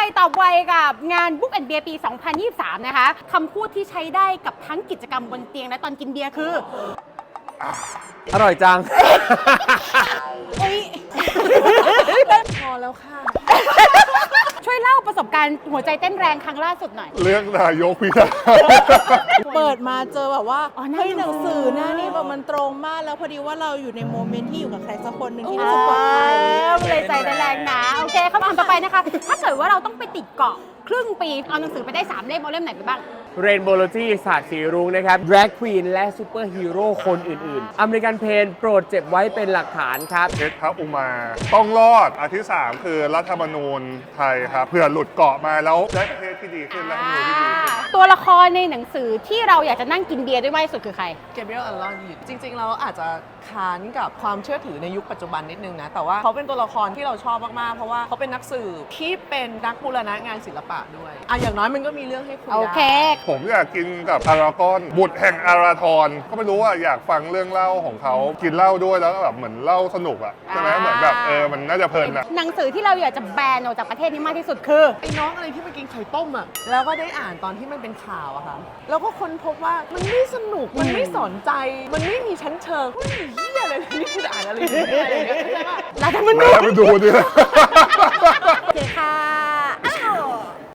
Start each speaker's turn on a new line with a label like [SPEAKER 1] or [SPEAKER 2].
[SPEAKER 1] ตอบไวกับงาน Book and Beer ปี 2023 นะคะคำพูดที่ใช้ได้กับทั้งกิจกรรมบนเตียงและตอนกินเบียร์คือ
[SPEAKER 2] อร่อยจัง
[SPEAKER 1] อุ๊ย
[SPEAKER 3] พอแล้วค่ะ
[SPEAKER 1] ช่วยเล่าประสบการณ์หัวใจเต้นแรงครั้งล่าสุดหน่อย
[SPEAKER 4] เรื่องนายกพิธา
[SPEAKER 3] เปิดมาเจอแบบว่า
[SPEAKER 1] อ๋อหน้า
[SPEAKER 3] เฮ้ย
[SPEAKER 1] ห
[SPEAKER 3] ห
[SPEAKER 1] นั
[SPEAKER 3] นั
[SPEAKER 1] ง
[SPEAKER 3] ง
[SPEAKER 1] สื
[SPEAKER 3] สื
[SPEAKER 1] อ
[SPEAKER 3] อหน้านี่แบบมันตรงมากแล้วพอดีว่าเราอยู่ในโมเมนต์ที่อยู่กับใครสักคนหนึ่งที่รู้สึกปลอดภัย
[SPEAKER 1] เลยใจแรงนะ โอเคคำถามต่อไปนะคะ ถ้าเกิดว่าเราต้องไปติดเกาะครึ่งปี เอาหนังสือไปได้ 3 เล่มเอาเล่มไหนไปบ้าง
[SPEAKER 2] เรนโบโลจีศาสตร์สีรุ้งนะครับ Drag Queen และซูเปอร์ฮีโร่คนอื่นๆ อเมริกันเพนโปรดเจ็บไว้เป็นหลักฐานครับ
[SPEAKER 4] เพชรพระอุมา ต้องรอดอันที่ 3 คือรัฐธรรมนูญไทยครับเผื่อหลุดเกาะมาแล้วได้ประเทศที่ดีขึ้นรัฐธรรมนูญที่ดีขึ้น
[SPEAKER 1] ตัวละครในหนังสือที่เราอยากจะนั่งกินเบียร์ด้วยมากที่สุดคือใคร
[SPEAKER 3] เกเบรียล อัลลอนจริงๆเราอาจจะค้านกับความเชื่อถือในยุคปัจจุบันนิดนึงนะ แต่ว่าเขาเป็นตัวละครที่เราชอบมากๆ เพราะว่าเขาเป็นนักสืบที่เป็นนักบูรณะงานศิลปะด้วยอย่างน้อยมันก็มีเรื่องให้คุย
[SPEAKER 1] โอเค
[SPEAKER 3] ได้
[SPEAKER 4] ผมอยากกินกับอารากอนบุตรแห่งอาราธรก็ไม่รู้ว่าอยากฟังเรื่องเล่าของเขากินเหล้าด้วยแล้วก็แบบเหมือนเล่าสนุกอะใช่ไหมเหมือนแบบมันน่าจะเพลินอะ
[SPEAKER 1] หนังสือที่เราอยากจะแบนออกจากประเทศนี้มากที่สุดคือ
[SPEAKER 3] ไอ้น้องอะไรที่มากินไข่ต้มอ่ะ แล้วก็ได้อ่านตอนที่มันเป็นข่าวอะค่ะ แล้วก็ค้นพบว่ามันไม่สนุก มันไม่สนใจ มันไม่มีชั้นเชิงมันมีเหี้ยอะไรนี่คืออ่านอะไรอย่างเงี้ยอะไรอย่างเงี้ยใช่ปะ
[SPEAKER 1] รัฐธรรมนู
[SPEAKER 4] แล้ว
[SPEAKER 1] ญ
[SPEAKER 4] ไปดูดิ
[SPEAKER 1] โอเคค่ะ